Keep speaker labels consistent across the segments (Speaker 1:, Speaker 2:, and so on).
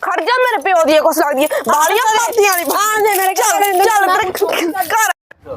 Speaker 1: ਖੜ ਜਾ ਮੇਰੇ ਪਿਓ ਦੀ ਕੁਛ ਲੱਗਦੀ ਹੈ ਬਾਲੀਆਂ ਪਾਤੀਆਂ ਨਹੀਂ ਆ ਦੇ ਮੇਰੇ ਚੱਲ ਘਰ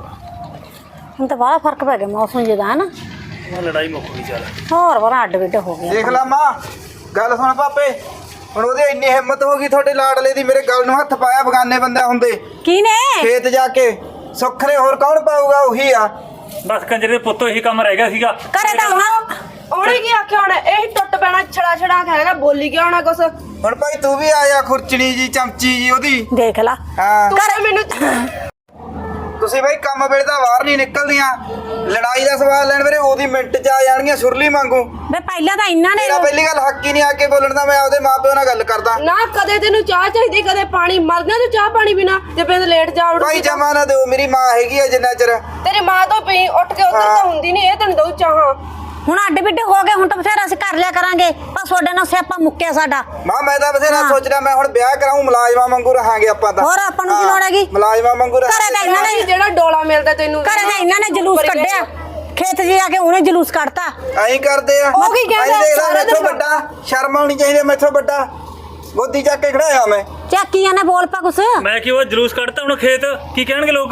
Speaker 2: ਹੁਣ ਤਾਂ ਬੜਾ ਫਰਕ ਪੈ ਗਿਆ ਮੌਸਮ ਜਿਹਦਾ ਹੈ ਨਾ
Speaker 3: ਲੜਾਈ ਮੁੱਕ ਗਈ ਚੱਲ
Speaker 2: ਹੋਰ ਬੜਾ ਅੱਡ ਵਿੱਡ ਹੋ ਗਿਆ
Speaker 4: ਦੇਖ ਲਾ ਮਾਂ ਗੱਲ ਸੁਣ ਪਾਪੇ ਹੁਣ ਉਹਦੀ ਇੰਨੀ ਹਿੰਮਤ ਹੋ ਗਈ ਤੁਹਾਡੇ ਲਾਡਲੇ ਦੀ ਮੇਰੇ ਗੱਲ ਨੂੰ ਹੱਥ ਪਾਇਆ ਬਗਾਨੇ ਬੰਦੇ ਹੁੰਦੇ
Speaker 2: ਕੀ ਨੇ
Speaker 4: ਖੇਤ ਜਾ ਕੇ ਸੁੱਖਰੇ ਹੋਰ ਕੌਣ ਪਾਊਗਾ ਉਹੀ ਆ
Speaker 3: ਬਸ ਕੰਜਰੇ ਦੇ ਪੁੱਤੋਂ ਇਹੀ ਕੰਮ ਰਹਿ ਗਿਆ ਸੀਗਾ
Speaker 2: ਕਰੇ ਤਾਂ ਹੁਣ
Speaker 1: ਉਹਨੇ ਕੀ ਆਖਿਆ ਹੁਣ ਇਹ ਟੁੱਟ ਪੈਣਾ ਛੜਾ ਹੈਗਾ ਬੋਲੀ ਗਿਆ ਹੋਣਾ ਕੁਛ
Speaker 4: ਹੁਣ ਭਾਈ ਤੂੰ ਵੀ ਆਇਆ ਖੁਰਚਣੀ ਜੀ ਚਮਚੀ ਜੀ ਉਹਦੀ
Speaker 2: ਦੇਖ ਲਾ
Speaker 4: ਹਾਂ
Speaker 1: ਘਰੇ ਮੈਨੂੰ
Speaker 4: ਤੁਸੀਂ ਭਾਈ ਕੰਮ ਵੇਲੇ ਤਾਂ ਬਾਹਰ ਨਹੀਂ ਨਿਕਲਦੀਆਂ ਲੜਾਈ ਦਾ ਸਵਾਲ ਲੈਣ ਵੇਲੇ ਉਹਦੀ ਮਿੰਟ ਚ ਆ ਜਾਣਗੀਆਂ ਸੁਰਲੀ ਵਾਂਗੂ
Speaker 2: ਵੇ ਪਹਿਲਾਂ ਤਾਂ ਇੰਨਾ ਨੇ
Speaker 4: ਮੇਰਾ ਪਹਿਲੀ ਗੱਲ ਹੱਕ ਹੀ ਨਹੀਂ ਆ ਕੇ ਬੋਲਣ ਦਾ ਮੈਂ ਆਪਦੇ ਮਾਪਿਓ ਨਾਲ ਗੱਲ ਕਰਦਾ
Speaker 1: ਨਾ ਕਦੇ ਤੈਨੂੰ ਚਾਹ ਚਾਹੀਦੀ ਕਦੇ ਪਾਣੀ ਮਰਦਾ ਤੂੰ ਚਾਹ ਪਾਣੀ ਬਿਨਾ ਜੇ ਬਿੰਦ ਲੇਟ ਜਾ ਉੜ
Speaker 4: ਭਾਈ ਜਮਾ ਨਾ ਦਿਓ ਮੇਰੀ ਮਾਂ ਹੈਗੀ ਆ ਜਿੰਨਾ ਚਿਰ
Speaker 1: ਤੇਰੀ ਮਾਂ ਤੋਂ ਪਈ ਉੱਠ ਕੇ ਉੱਧਰ ਤਾਂ ਹੁੰਦੀ ਨਹੀਂ ਇਹ ਤੈਨੂੰ ਦਊ ਚਾਹਾਂ
Speaker 2: ਹੁਣ ਅੱਡ ਵਿੱਡ ਹੋ ਗਏ ਹੁਣ ਤਾਂ ਬਥੇਰਾ ਅਸੀਂ ਕਰ ਲਿਆ ਕਰਾਂਗੇ ਪਰ ਤੁਹਾਡੇ ਨਾਲ ਸਿਆਪਾ ਮੁੱਕਿਆ ਸਾਡਾ
Speaker 4: ਮਾਂ ਮੈਂ ਤਾਂ ਬਥੇਰਾ ਸੋਚ ਰਿਹਾ ਮੈਂ ਹੁਣ ਵਿਆਹ ਕਰਾਉਂ ਮੁਲਾਜ਼ਮਾਂ ਵਾਂਗੂ ਰਹਾਂਗੇ ਆਪਾਂ ਤਾਂ
Speaker 2: ਹੋਰ ਆਪਾਂ ਨੂੰ ਕੀ ਲੋੜ ਹੈਗੀ
Speaker 4: ਮੁਲਾਜ਼ਮਾਂ ਵਾਂਗੂ
Speaker 2: ਘਰੇ ਤਾਂ ਇਹਨਾਂ ਨੇ
Speaker 1: ਜਿਹੜਾ ਡੋਲਾ ਮਿਲਦਾ ਤੈਨੂੰ
Speaker 2: ਘਰੇ ਤਾਂ ਇਹਨਾਂ ਨੇ ਜਲੂਸ ਕੱਢਿਆ ਖੇਤ 'ਚ ਆ ਕੇ ਉਹਨੇ ਜਲੂਸ ਕੱਢਤਾ
Speaker 4: ਐਂ ਕਰਦੇ ਆ
Speaker 1: ਉਹ ਕੀ ਕਹਿੰਦਾ
Speaker 4: ਸਾਰਾ ਦਿਨ ਵੱਡਾ ਸ਼ਰਮ ਆਉਣੀ ਚਾਹੀਦੀ ਮੈਥੋਂ ਵੱਡਾ ਗੋਦੀ ਚੱਕ ਕੇ ਖੜਾਇਆ ਮੈਂ
Speaker 2: ਚੱਕੀਆਂ ਨੇ ਬੋਲ ਪਾ ਕੁਛ
Speaker 3: ਮੈਂ ਕਿ ਉਹ ਜਲੂਸ ਕੱਢਤਾ ਹੁਣ ਖੇਤ ਕੀ ਕਹਿਣਗੇ ਲੋਕ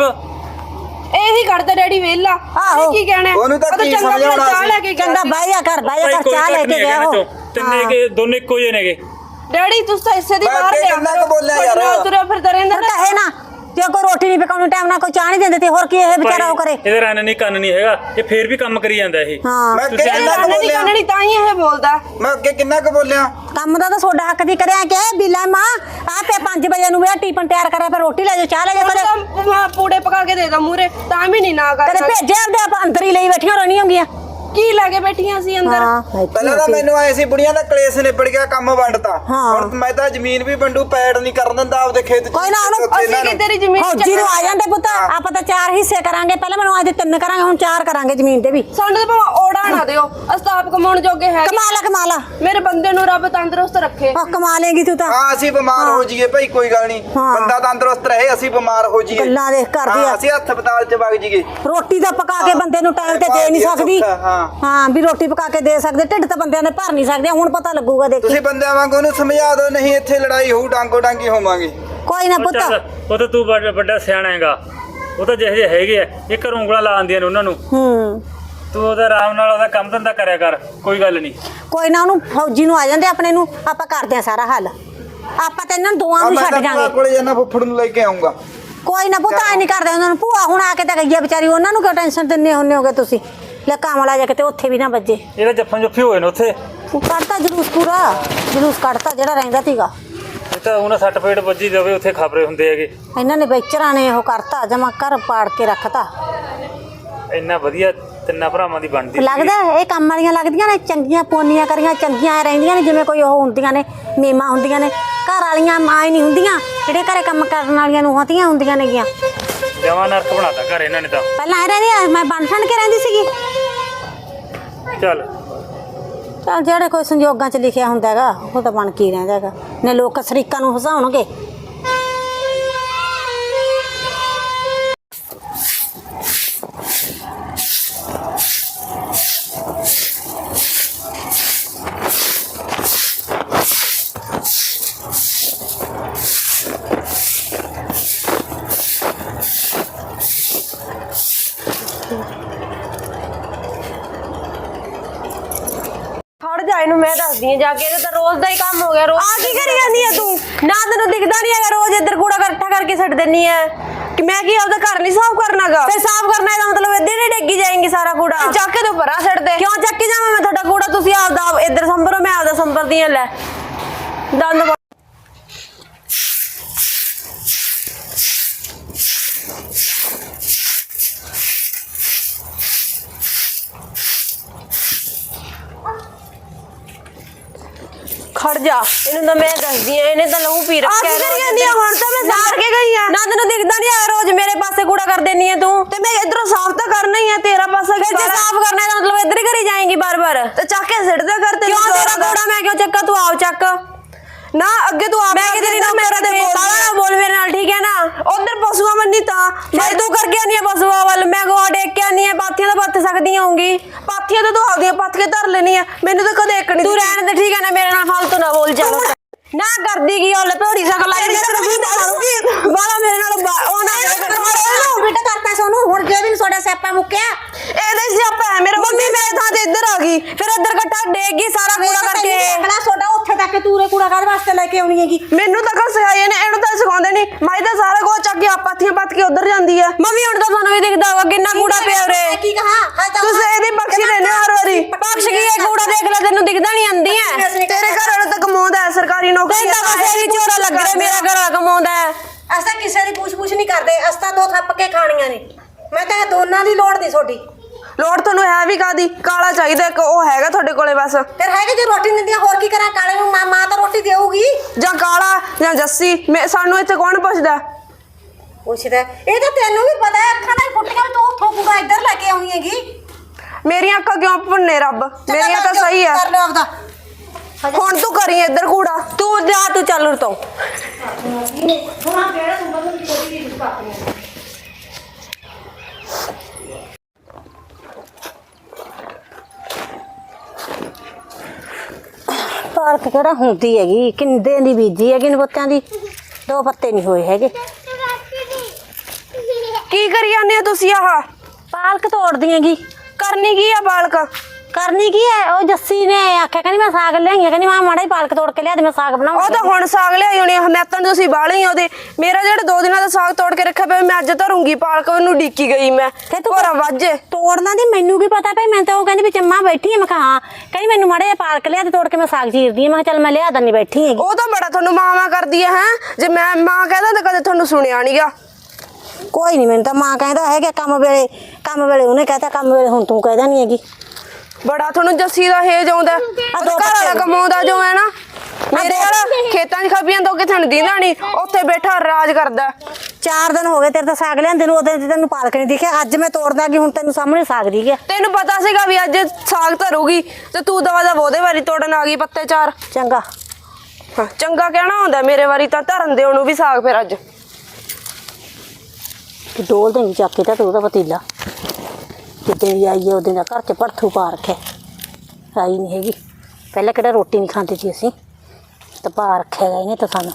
Speaker 1: ਇਹੀ ਕਰਦਾ ਡੈਡੀ ਵੇਲਾ
Speaker 2: ਆਹੋ।
Speaker 1: ਕੀ ਕਹਿਣਾ
Speaker 4: ਉਹਨੂੰ ਤਾਂ ਕੀ
Speaker 1: ਚੰਗਾ
Speaker 4: ਸਮਝਾਉਣਾ
Speaker 1: ਚਾਹ ਲੈ ਕੇ
Speaker 2: ਚੰਗਾ ਬਾਈਆ ਕਰ ਚਾਹ ਲੈ ਕੇ ਗਿਆ ਉਹ
Speaker 3: ਤਿੰਨੇ ਕੇ ਦੋਨੇ ਇੱਕੋ ਜਿਹੇ ਨੇਗੇ
Speaker 1: ਡੈਡੀ ਤੂੰ ਤਾਂ ਇਸੇ ਦੀ
Speaker 4: ਮੈਂ
Speaker 1: ਬਾਹਰ
Speaker 4: ਅੱਗੇ ਕਿੰਨਾ ਕੁ ਬੋਲਿਆ ਯਾਰ।
Speaker 1: ਤੁਰਿਆ ਫਿਰਦਾ ਰਹਿੰਦਾ
Speaker 2: ਫਿਰ ਤਾਂ ਹੈ ਨਾ ਜੇ ਕੋਈ ਰੋਟੀ ਨਹੀਂ ਪਕਾਉਣੀ ਟਾਈਮ ਨਾਲ ਕੋਈ ਚਾਹ ਨਹੀਂ ਦਿੰਦੇ ਤੇ ਹੋਰ ਕੀ ਇਹ ਵਿਚਾਰਾ ਉਹ ਕਰੇ
Speaker 3: ਇਹਦੇ ਰੰਨ ਨਹੀਂ ਕੰਨ ਨਹੀਂ ਹੈਗਾ ਇਹ ਫੇਰ ਵੀ ਕੰਮ ਕਰੀ ਜਾਂਦਾ ਇਹ
Speaker 2: ਹਾਂ
Speaker 4: ਮੈਂ ਅੱਗੇ
Speaker 3: ਤੁਸੀਂ
Speaker 4: ਕਿੰਨਾ ਕੁ
Speaker 1: ਨਹੀਂ
Speaker 4: ਬੋਲਿਆ
Speaker 1: ਕਰਨੀ ਤਾਂ ਹੀ ਇਹ ਬੋਲਦਾ
Speaker 4: ਮੈਂ ਅੱਗੇ ਕਿੰਨਾ ਕੁ ਬੋਲਿਆ
Speaker 2: ਕੰਮ ਦਾ ਤਾਂ ਤੁਹਾਡਾ ਹੱਕ ਦੀ ਕਰਿਆ ਕਿ ਬਿਲਾ ਮਾਂ ਆਪੇ 5 ਵਜੇ ਨੂੰ ਵੇ ਟੀਪਨ ਤਿਆਰ ਕਰਿਆ ਫਿਰ ਰੋਟੀ ਲੈ ਜਾ ਚਾਹ ਲੈ ਜਾ ਕਰੇ
Speaker 1: ਤਾਂ ਪੂੜੇ ਪਕਾ ਕੇ ਦੇ ਦਾ ਮੂਰੇ ਤਾਂ ਵੀ ਨਹੀਂ ਨਾ ਕਰ
Speaker 2: ਕਦੇ ਭੇਜਿਆ ਆਪਦੇ ਆਪ ਅੰਦਰ ਹੀ ਲਈ ਬੈਠੀਆਂ ਰਹਿਣੀਆਂ ਹੁੰਦੀਆਂ
Speaker 1: ਕੀ ਲੈ ਕੇ ਬੈਠੀਆਂ ਸੀ ਅੰਦਰ
Speaker 4: ਪਹਿਲਾਂ ਤਾਂ ਮੈਨੂੰ ਆਏ ਸੀ ਬੁੜੀਆਂ ਦਾ ਕਲੇਸ਼ ਨਿਬੜ ਗਿਆ ਕੰਮ ਵੰਡਤਾ ਹੁਣ ਮੈਂ ਤਾਂ ਜ਼ਮੀਨ ਵੀ ਵੰਡੂ ਪੈੜ ਨਹੀਂ ਕਰਨ ਦਿੰਦਾ ਆਪਦੇ ਖੇਤ ਚ
Speaker 2: ਕੋਈ ਨਾ ਉਹਨੂੰ
Speaker 1: ਅਸੀਂ ਕਿ ਤੇਰੀ ਜ਼ਮੀਨ
Speaker 2: ਫੌਜੀ ਨੂੰ ਆ ਜਾਂਦੇ ਪੁੱਤ ਆਪਾਂ ਤਾਂ 4 ਹਿੱਸੇ ਕਰਾਂਗੇ ਪਹਿਲਾਂ ਮੈਨੂੰ ਅੱਜ 3 ਕਰਾਂਗੇ ਹੁਣ 4 ਕਰਾਂਗੇ ਜ਼ਮੀਨ ਦੇ ਵੀ
Speaker 1: ਸਾਨੂੰ ਤਾਂ ਭਾਵੇਂ ਓੜਾ ਨਾ ਦਿਓ ਅਸਤਾਪ ਕਮਾਉਣ ਜੋਗੇ ਹੈ
Speaker 2: ਕਮਾਲਾ
Speaker 1: ਮੇਰੇ ਬੰਦੇ ਨੂੰ ਰੱਬ ਤੰਦਰੁਸਤ ਰੱਖੇ
Speaker 2: ਉਹ ਕਮਾ ਲੇਗੀ ਤੂੰ ਤਾਂ
Speaker 4: ਹਾਂ ਅਸੀਂ ਬਿਮਾਰ ਹੋ ਜਾਈਏ ਭਾਈ ਕੋਈ ਗੱਲ ਨਹੀਂ ਬੰਦਾ ਤੰਦਰੁਸਤ ਰਹੇ ਅਸੀਂ ਬਿਮਾਰ ਹੋ ਜਾਈਏ
Speaker 2: ਗੱਲਾਂ ਦੇਖ ਕਰਦੀ ਆ
Speaker 4: ਅਸੀਂ ਹਸਪਤਾਲ ਚ ਵਗ ਜਾਈਏ
Speaker 2: ਰੋਟੀ ਤਾਂ ਪਕਾ ਕੇ ਬੰਦੇ ਨੂੰ ਟਾਈਮ ਤੇ ਦੇ ਨਹੀਂ ਸਕਦੀ ਹਾਂ ਵੀ ਰੋਟੀ ਪਕਾ ਕੇ ਦੇ ਸਕਦੇ ਢਿੱਡ ਤਾਂ ਬੰਦਿਆਂ ਨੇ ਭਰ ਨਹੀਂ ਸਕਦੇ ਹੁਣ ਪਤਾ ਲੱਗੂਗਾ ਦੇਖੀ
Speaker 4: ਤੁਸੀਂ ਬੰਦਿਆਂ ਵਾਂਗ ਉਹਨੂੰ ਸਮਝਾ ਦਿਓ ਨਹੀਂ ਇੱਥੇ ਲੜਾਈ ਹੋਊ ਡਾਂਗੋ ਡਾਂਗੀ ਹੋਵਾਂਗੇ
Speaker 2: ਕੋਈ ਨਾ ਪੁੱਤ
Speaker 3: ਉਹ ਤਾਂ ਤੂੰ ਵੱਡਾ ਸਿਆਣਾ ਹੈਗਾ ਉਹ ਤਾਂ ਜਿਹੇ ਜਿਹੇ ਹੈਗੇ ਆ ਇਹ ਘਰੋਂ ਉਂਗਲਾਂ ਲਾ ਦਿੰਦੀਆਂ ਨੇ ਉਹਨਾਂ ਨੂੰ ਤੂੰ ਉਹਦਾ ਆਰਾਮ ਨਾਲ ਉਹਦਾ ਕੰਮ ਧੰਦਾ ਕਰਿਆ ਕਰ ਕੋਈ ਗੱਲ ਨਹੀਂ
Speaker 2: ਕੋਈ ਨਾ ਉਹਨੂੰ ਫੌਜੀ ਨੂੰ ਆ ਜਾਂਦੇ ਆਪਣੇ ਨੂੰ ਆਪਾਂ ਕਰਦੇ ਆ ਸਾਰਾ ਹੱਲ ਆਪਾਂ ਤਾਂ ਇਹਨਾਂ ਨੂੰ ਦੋਵਾਂ ਨੂੰ ਛੱਡ ਜਾਾਂਗੇ
Speaker 4: ਕੋਲੇ ਜਾਣਾ ਫੁੱਫੜ ਨੂੰ ਲੈ ਕੇ ਆਉਂਗਾ
Speaker 2: ਕੋਈ ਨਾ ਪੁੱਤ ਐ ਨਹੀਂ ਕਰਦੇ ਉਹਨਾਂ ਨੂੰ ਭੂਆ ਹੁਣ ਆ ਕੇ ਤਾਂ ਗਈ ਆ ਵਿਚਾਰੀ ਉਹਨਾਂ ਨੂੰ ਕਿਉਂ ਟੈਨਸ਼ਨ ਦਿੰਨੇ ਹੁੰਨੇ ਹੋਗੇ ਤੁਸੀਂ ਲੈ ਕਾਮਲਾ ਜਾ ਕੇ ਤੇ ਉੱਥੇ ਵੀ ਨਾ ਵੱਜੇ
Speaker 3: ਇਹਦਾ ਜੱਫਾਂ ਜੁੱਫੀ ਹੋਏ ਨੇ ਉੱਥੇ
Speaker 2: ਕੱਢਤਾ ਜਲੂਸ ਪੂਰਾ ਜਲੂਸ ਕੱਢਤਾ ਜਿਹੜਾ ਰਹਿੰਦਾ ਸੀਗਾ
Speaker 3: ਇਹ ਤਾਂ ਉਹਨਾਂ ਸੱਟ ਪੇਟ ਵੱਜੀ ਜਾਵੇ ਉੱਥੇ ਖਬਰੇ ਹੁੰਦੇ ਹੈਗੇ
Speaker 2: ਇਹਨਾਂ ਨੇ ਵੇਚਰਾਂ ਨੇ ਉਹ ਕਰਤਾ ਜਮਾ ਘਰ ਪਾੜ ਕੇ ਰੱਖਤਾ
Speaker 3: ਇੰਨਾ ਵਧੀਆ ਤਿੰਨਾਂ ਭਰਾਵਾਂ ਦੀ ਬਣਦੀ
Speaker 2: ਲੱਗਦਾ ਇਹ ਕੰਮ ਵਾਲੀਆਂ ਲੱਗਦੀਆਂ ਨੇ ਚੰਗੀਆਂ ਪੋਨੀਆਂ ਕਰੀਆਂ ਚੰਗੀਆਂ ਰਹਿੰਦੀਆਂ ਨੇ ਜਿਵੇਂ ਕੋਈ ਉਹ ਹੁੰਦੀਆਂ ਨੇ ਮੇਮਾ ਹੁੰਦੀਆਂ ਨੇ ਘਰ ਵਾਲੀਆਂ ਮਾਂ ਹੀ ਨਹੀਂ ਹੁੰਦੀਆਂ ਜਿਹੜੇ ਘਰੇ ਕੰਮ ਕਰਨ ਵਾਲੀਆਂ ਨੂੰ ਹਤੀਆਂ ਹੁੰਦੀਆਂ ਨੇਗੀਆਂ
Speaker 3: ਜਵਾਂ ਨਰਕ ਬਣਾਤਾ ਘਰ ਇਹਨਾਂ ਨੇ ਤਾਂ
Speaker 2: ਪਹਿਲਾਂ ਇਹ ਰਹਿੰਦੀ ਮੈਂ ਬਣ ਠਣ ਕੇ ਰਹਿੰਦੀ ਸੀਗੀ
Speaker 3: ਚੱਲ
Speaker 2: ਜਿਹੜੇ ਕੋਈ ਸੰਜੋਗਾਂ 'ਚ ਲਿਖਿਆ ਹੁੰਦਾ ਹੈਗਾ ਉਹ ਤਾਂ ਬਣ ਕੇ ਰਹਿੰਦਾ ਹੈਗਾ ਨੇ ਲੋਕ ਸ਼ਰੀਕਾਂ ਨੂੰ ਹਸਾਉਣਗੇ
Speaker 1: ਖੜ ਜਾ ਇਹਨੂੰ ਮੈਂ ਦੱਸਦੀ ਆ ਜਾ ਕੇ ਇਹਦਾ ਤਾਂ ਰੋਜ਼ ਦਾ ਹੀ ਕੰਮ ਹੋ ਗਿਆ ਰੋਜ਼ ਆ ਕੀ ਕਰੀ ਜਾਂਦੀ ਆ ਤੂੰ ਨਾ ਤੈਨੂੰ ਦਿਖਦਾ ਨਹੀਂ ਹੈਗਾ ਰੋਜ਼ ਇੱਧਰ ਕੂੜਾ ਇਕੱਠਾ ਕਰਕੇ ਛੱਡ ਦਿੰਨੀ ਆ ਕਿ ਮੈਂ ਕੀ ਆਪਦਾ ਘਰ ਨਹੀਂ ਸਾਫ਼ ਕਰਨਾਗਾ ਤੇ ਸਾਫ਼ ਕਰਨਾ ਇਹਦਾ ਮਤਲਬ ਇੱਧਰ ਹੀ ਡੇਗੀ ਜਾਏਗੀ ਸਾਰਾ ਕੂੜਾ ਚੱਕ ਕੇ ਤੂੰ ਪਰਾਂ ਛੱਡ ਦੇ ਕਿਉਂ ਚੱਕ ਕੇ ਜਾਵਾਂ ਮੈਂ ਤੁਹਾਡਾ ਕੂੜਾ ਤੁਸੀਂ ਆਪਦਾ ਇੱਧਰ ਸੰਭਰੋ ਮੈਂ ਆਪਦਾ ਸੰਭਰਦੀ ਆ ਲੈ ਦੰਦ ਖੜ ਜਾ ਇਹਨੂੰ ਤਾਂ ਮੈਂ ਦੱਸਦੀ ਆ ਇਹਨੇ ਤਾਂ ਲਹੂ ਪੀ ਰੱਖਿਆ ਹੁਣ ਤਾਂ ਮੈਂ ਸਾਰ ਕੇ ਗਈ ਆ ਨਾ ਤੈਨੂੰ ਦਿਖਦਾ ਨਹੀਂ ਆ ਰੋਜ਼ ਮੇਰੇ ਪਾਸੇ ਕੂੜਾ ਕਰ ਦੇਣੀ ਆ ਤੂੰ ਤੇ ਮੈਂ ਇਧਰੋਂ ਸਾਫ਼ ਤਾਂ ਕਰਨਾ ਹੀ ਆ ਤੇਰਾ ਪਾਸਾ ਜੇ ਸਾਫ਼ ਕਰਨਾ ਹੈ ਤਾਂ ਮਤਲਬ ਇੱਧਰ ਹੀ ਕਰੀ ਜਾਏਂਗੀ ਬਾਰ-ਬਾਰ ਤੇ ਚੱਕ ਕੇ ਸਿੱਟਦਾ ਕਰ ਤੇ ਕਿਉਂ ਤੇਰਾ ਕੂੜਾ ਮੈਂ ਕਿਉਂ ਚੱਕਾ ਤੂੰ ਆਪ ਚੱਕ ਨਾ ਅੱਗੇ ਤੂੰ ਆਪ ਮੈਂ ਤੇਰੀ ਨਾ ਮੇਰੇ ਤੇ ਬਾਲਾ ਬੋਲ ਮੇਰੇ ਨਾਲ ਠੀਕ ਹੈ ਨਾ ਉਧਰ ਪਸ਼ੂਆਂ ਮੰਨੀ ਤਾਂ ਮੈਂ ਤੂੰ ਕਰ ਗਿਆ ਨਹੀਂ ਪਸ਼ੂਆਂ ਵੱਲ ਮੈਂ ਗੋਹਾ ਡੇਕ ਕੇ ਨਹੀਂ ਪਾਥੀਆਂ ਤਾਂ ਪੱਥ ਸਕਦੀ ਹੋਊਗੀ ਪਾਥੀਆਂ ਤਾਂ ਤੂੰ ਆਪਦੀਆਂ ਪੱਥ ਕੇ ਧਰ ਲੈਣੀ ਆ ਮੈਨੂੰ ਤਾਂ ਕਦੇ ਇੱਕ ਨਹੀਂ ਤੂੰ ਰਹਿਣ ਦੇ ਠੀਕ ਹੈ ਨਾ ਮੇਰੇ ਨਾਲ ਫालतू ਨਾ ਬੋਲ ਚੱਲ ਨਾ ਕਰਦੀ ਕੀ ਉਹ ਲਪੇੜੀ ਸਕਲ ਲਾਈ ਵਾਲਾ ਮੇਰੇ ਨਾਲ ਉਹ ਨਾ
Speaker 2: ਬੇਟਾ ਕਰਤਾ ਸੋਨੂੰ ਹੁਣ ਜੇ ਵੀ ਤੁਹਾਡਾ ਸਿਆਪਾ ਮੁੱਕਿਆ
Speaker 1: ਇਹਦੇ ਸਿਆਪਾ ਹੈ ਮੇਰਾ ਮੰਮੀ ਮੇਰੇ ਥਾਂ ਤੇ ਇੱਧਰ ਆ ਗਈ ਫਿਰ ਇੱਧਰ ਘਟਾ ਡੇਗ ਗਈ ਸਾਰਾ ਕੂੜਾ ਕਰਕੇ
Speaker 2: ਅਗਲਾ ਤੁਹਾਡਾ ਉੱਥੇ ਤੱਕ ਤੂਰੇ ਕੂੜਾ ਕਾਹਦੇ ਵਾਸਤੇ ਲੈ ਕੇ ਆਉਣੀ ਹੈਗੀ
Speaker 1: ਮੈਨੂੰ ਤਾਂ ਕੱਲ ਸਿਖਾਏ ਨੇ ਇਹਨੂੰ ਤਾਂ ਸਿਖਾਉਂਦੇ ਨਹੀਂ ਮਾਈ ਤਾਂ ਸਾਰਾ ਕੁਝ ਚੱਕ ਕੇ ਆਪਾਥੀਆਂ ਪੱਤ ਕੇ ਉਧਰ ਜਾਂਦੀ ਆ ਮੰਮੀ ਹੁਣ ਤਾਂ ਤੁਹਾਨੂੰ ਵੀ ਦਿਖਦਾ ਹੋਗਾ ਕਿੰਨਾ ਕੂੜਾ ਪਿਆ ਉਰੇ
Speaker 2: ਕੀ ਕਹਾ
Speaker 1: ਤੁਸੀਂ ਇਹਦੀ ਬਖਸ਼ੀ ਲੈਣੇ ਹਰ ਵਾਰੀ ਬਖਸ਼ ਕੀ ਇਹ ਕੂੜਾ ਦੇਖ ਲੈ ਤੈਨੂੰ ਦਿਖਦਾ ਨਹੀਂ ਆਂਦੀ ਹੈ ਤੇਰੇ ਘਰ ਵਾਲਾ ਤਾਂ ਕਮਾਉਂਦਾ ਹੈ ਸਰਕਾਰੀ ਨੌਕਰੀ ਤਾਂ ਬਸ ਇਹੀ ਚੋਰਾ ਲੱਗ ਰਿਹਾ ਮੇਰਾ ਘਰ ਵਾਲਾ ਕਮਾਉਂਦਾ ਹੈ
Speaker 2: ਅਸਾਂ ਕਿਸੇ ਦੀ ਪੁੱਛ ਨਹੀਂ ਕਰਦੇ ਅਸਾਂ ਦੋ ਥੱਪ ਕੇ ਖਾਣੀਆਂ ਨੇ ਮੈਂ ਤਾਂ ਦੋਨਾਂ ਦੀ ਲੋੜ ਨਹੀਂ ਤੁਹਾਡੀ
Speaker 1: ਲੋੜ ਤੁਹਾਨੂੰ ਹੈ ਵੀ ਕਾਦੀ ਕਾਲਾ ਚਾਹੀਦਾ ਇੱਕ ਉਹ ਹੈਗਾ ਤੁਹਾਡੇ ਕੋਲੇ ਬਸ
Speaker 2: ਫਿਰ ਹੈਗੇ ਜੇ ਰੋਟੀ ਨਹੀਂ ਦਿੰਦੀਆਂ ਹੋਰ ਕੀ ਕਰਾਂ ਕਾਲੇ ਨੂੰ ਮਾਂ ਤਾਂ ਰੋਟੀ ਦੇਊਗੀ
Speaker 1: ਜਾਂ ਕਾਲਾ ਜਾਂ ਜੱਸੀ ਸਾਨੂੰ ਇੱਥੇ ਕੌਣ ਪੁੱਛਦਾ
Speaker 2: ਪੁੱਛਦਾ ਇਹ ਤਾਂ ਤੈਨੂੰ ਵੀ ਪਤਾ ਹੈ ਅੱਖਾਂ ਨਾਲ ਫੁੱਟ ਕੇ ਤੂੰ ਉੱਥੋਂ ਕੂੜਾ ਇੱਧਰ ਲੈ ਕੇ ਆਉਣੀ ਹੈਗੀ
Speaker 1: ਮੇਰੀਆਂ ਅੱਖਾਂ ਕਿਉਂ ਭੁੰਨੇ ਰੱਬ ਮੇਰੀਆਂ ਤਾਂ ਸਹੀ ਆ
Speaker 2: ਕਰ ਲਓ ਆਪਦਾ
Speaker 1: ਹੁਣ ਤੂੰ ਕਰੀ ਇੱਧਰ ਕੂੜਾ ਤੂੰ ਜਾ ਤੂੰ ਚੱਲ ਉਰ ਤੋਂ
Speaker 2: ਹੁਣ ਕਿਹੜਾ ਤੂੰ ਬਦਲ ਦੀ ਕੋਈ ਚੀਜ਼ ਪਾਪਣੀ ਪਾਰਕ ਕਿਹੜਾ ਹੁੰਦੀ ਹੈਗੀ ਕਿੰਦੇ ਦੀ ਬੀਜੀ ਹੈਗੀ ਨੇ ਬੱਤਿਆਂ ਦੀ 2 ਪੱਤੇ ਨਹੀਂ ਹੋਏ ਹੈਗੇ
Speaker 1: ਕੀ ਕਰੀ ਜਾਂਦੇ ਹੋ ਤੁਸੀਂ ਆਹ
Speaker 2: ਪਾਲਕ ਤੋੜਦੀ ਹੈਗੀ
Speaker 1: ਕਰਨੀ ਕੀ ਆ ਬਾਲਕ
Speaker 2: ਕਰਨੀ ਕੀ ਹੈ ਉਹ ਜੱਸੀ ਨੇ ਆਖਿਆ ਕਹਿੰਦੀ ਮੈਂ ਸਾਗ ਲਿਆਈ ਕਹਿੰਦੀ ਮੈਂ ਮਾੜਾ ਹੀ ਪਾਲਕ ਤੋੜ ਕੇ ਲਿਆ ਦੇ ਮੈਂ ਸਾਗ ਬਣਾਉਂਗੀ
Speaker 1: ਉਹ ਤਾਂ ਹੁਣ ਸਾਗ ਲਿਆਈ ਹੋਣੀ ਮੈਂ ਤਾਂ ਤੁਸੀਂ ਬਾਲੇ ਹੀ ਉਹਦੇ ਮੇਰਾ ਜਿਹੜਾ 2 ਦਿਨਾਂ ਦਾ ਸਾਗ ਤੋੜ ਕੇ ਰੱਖਿਆ ਪਿਆ ਮੈਂ ਅੱਜ ਧਰੂੰਗੀ ਪਾਲਕ ਉਹਨੂੰ ਡੀਕੀ ਗਈ ਮੈਂ
Speaker 2: ਤੇ ਤੂੰ
Speaker 1: ਹੋਰਾ ਵਾਜੇ
Speaker 2: ਤੋੜਨਾ ਦੀ ਮੈਨੂੰ ਕੀ ਪਤਾ ਭਈ ਮੈਂ ਤਾਂ ਉਹ ਕਹਿੰਦੀ ਵੀ ਚੰਮਾ ਬੈਠੀ ਆ ਮੈਂ ਕਿਹਾ ਹਾਂ ਕਹਿੰਦੀ ਮੈਨੂੰ ਮਾੜਾ ਜਿਹਾ ਪਾਲਕ ਲਿਆ ਤੇ ਤੋੜ ਕੇ ਮੈਂ ਸਾਗ ਚੀਰਦੀ ਆ ਮੈਂ ਕਿਹਾ ਚੱਲ ਮੈਂ ਲਿਆ ਦੰਨੀ ਬੈਠੀ ਹੈਗੀ
Speaker 1: ਉਹ ਤਾਂ ਬੜਾ ਤੁਹਾਨੂੰ ਮਾਂ ਕਰਦੀ ਹੈ ਜੇ ਮੈਂ ਮਾਂ ਕਹਿੰਦਾ ਤਾਂ ਕਦੇ ਤੁਹਾਨੂੰ ਸੁਣਿਆ ਨਹੀਂਗਾ
Speaker 2: ਕੋਈ ਨਹੀਂ ਮੈਨੂੰ ਤਾਂ ਮਾਂ ਕਹਿੰਦਾ ਹੈਗਾ ਕੰਮ ਵੇਲੇ ਉਹਨੇ ਕਹਤਾ ਕੰਮ ਵੇਲੇ ਹੁਣ ਤੂੰ ਕਹਿਦਾ ਨਹੀਂ ਹੈਗੀ
Speaker 1: ਬੜਾ ਤੁਹਾਨੂੰ ਜੱਸੀ ਦਾ ਹੇਜ ਆਉਂਦਾ ਘਰ ਵਾਲਾ ਕਮਾਉਂਦਾ ਜੋ ਹੈ ਨਾ ਮੇਰੇ ਵਾਲਾ ਖੇਤਾਂ 'ਚ ਖੱਪੀਆਂ ਤੋਂ ਕਿਥੇ ਨੂੰ ਦੀਂਦਾ ਨਹੀਂ ਉੱਥੇ ਬੈਠਾ ਰਾਜ ਕਰਦਾ
Speaker 2: 4 ਦਿਨ ਹੋ ਗਏ ਤੇਰੇ ਤਾਂ ਸਾਗ ਲਿਆਂਦੇ ਨੂੰ ਉਦੋਂ ਤੇ ਤੈਨੂੰ ਪਾਲਕ ਨਹੀਂ ਦਿਖਿਆ ਅੱਜ ਮੈਂ ਤੋੜਦਾ ਕਿ ਹੁਣ ਤੈਨੂੰ ਸਾਹਮਣੇ ਸਾਗ ਦਿਖ ਗਿਆ
Speaker 1: ਤੈਨੂੰ ਪਤਾ ਸੀਗਾ ਵੀ ਅੱਜ ਸਾਗ ਧਰੂਗੀ ਤੇ ਤੂੰ ਦਵਾ ਦਾ ਉਹਦੇ ਵਾਰੀ ਤੋੜਨ ਆ ਗਈ ਪੱਤੇ 4
Speaker 2: ਚੰਗਾ
Speaker 1: ਚੰਗਾ ਕਹਿਣਾ ਹੁੰਦਾ ਮੇਰੇ ਵਾਰੀ ਤਾਂ ਧਰਨ ਦੇ ਉਹਨੂੰ ਵੀ ਸਾਗ ਫਿਰ ਅੱਜ
Speaker 2: ਤੂੰ ਡੋਲ ਦੇਂਗੀ ਚੱਕ ਕੇ ਤਾਂ ਤੂੰ ਉਹਦਾ ਪਤੀਲਾ ਜਿੱਦਾਂ ਵੀ ਆਈਏ ਉਹਦੇ ਦਾ ਘਰ 'ਚ ਭੜਥੂ ਪਾ ਰੱਖਿਆ ਆਈ ਨਹੀਂ ਹੈਗੀ ਪਹਿਲਾਂ ਕਿਹੜਾ ਰੋਟੀ ਨਹੀਂ ਖਾਂਦੇ ਸੀ ਅਸੀਂ ਤਾਂ ਪਾ ਰੱਖਿਆ ਇਹਨੇ ਤਾਂ ਸਾਨੂੰ